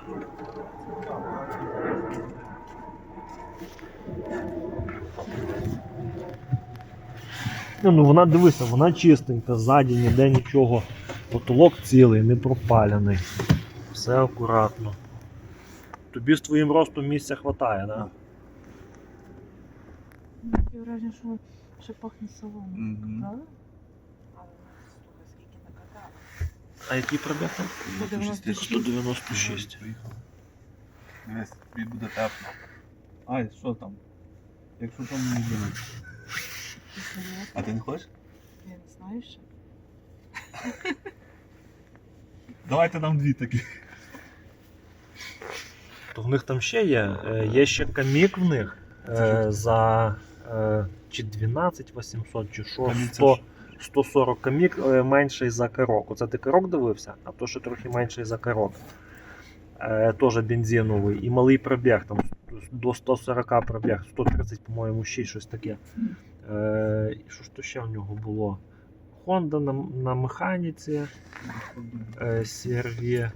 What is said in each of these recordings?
Ну вона, дивися, вона чистенька, ззаді ніде нічого. Потолок цілий, не пропалений. Все акуратно. Тобі з твоїм ростом місця хватає, так? Таке враження, що ще пахне соломою, правда? Але скільки накатали. А який пробіг там? 196. Дивись, тобі буде тепло. Ай, що там? Якщо там не буде. А ти не хочеш? Я не знаю ще. Давайте нам дві такі. То в них там ще є. Є ще камік в них за чи 12 800, чи що, 140 камік менший за карок. Оце ти карок дивився, а то ще трохи менший за карок. Теж бензиновий і малий пробіг, там до 140 пробіг, 130, по-моєму, ще щось таке. І що ж то ще в нього було? Honda на механіці, CR-V.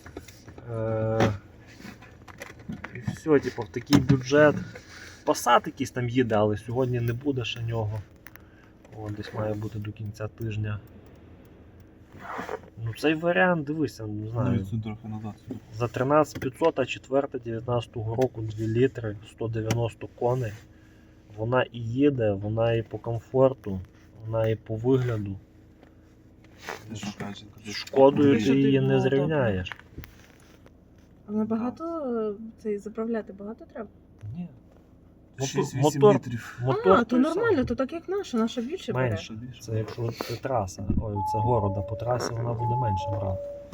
І все, типу, в такий бюджет. Passat якийсь там їде, але сьогодні не буде ще нього. О, десь має бути до кінця тижня. Ну цей варіант, дивися, не знаю. Трохи назад. За 13 500, а 4 19 року 2 літри, 190 коней. Вона і їде, вона і по комфорту, вона і по вигляду. З Шкодою ти її не зрівняєш. Але багато заправляти багато треба? Ні. 6-8 літрів. Мотор то нормально, то так як наша більше бере. менше. Це якщо це траса, ой, це города, по трасі вона буде менше брати.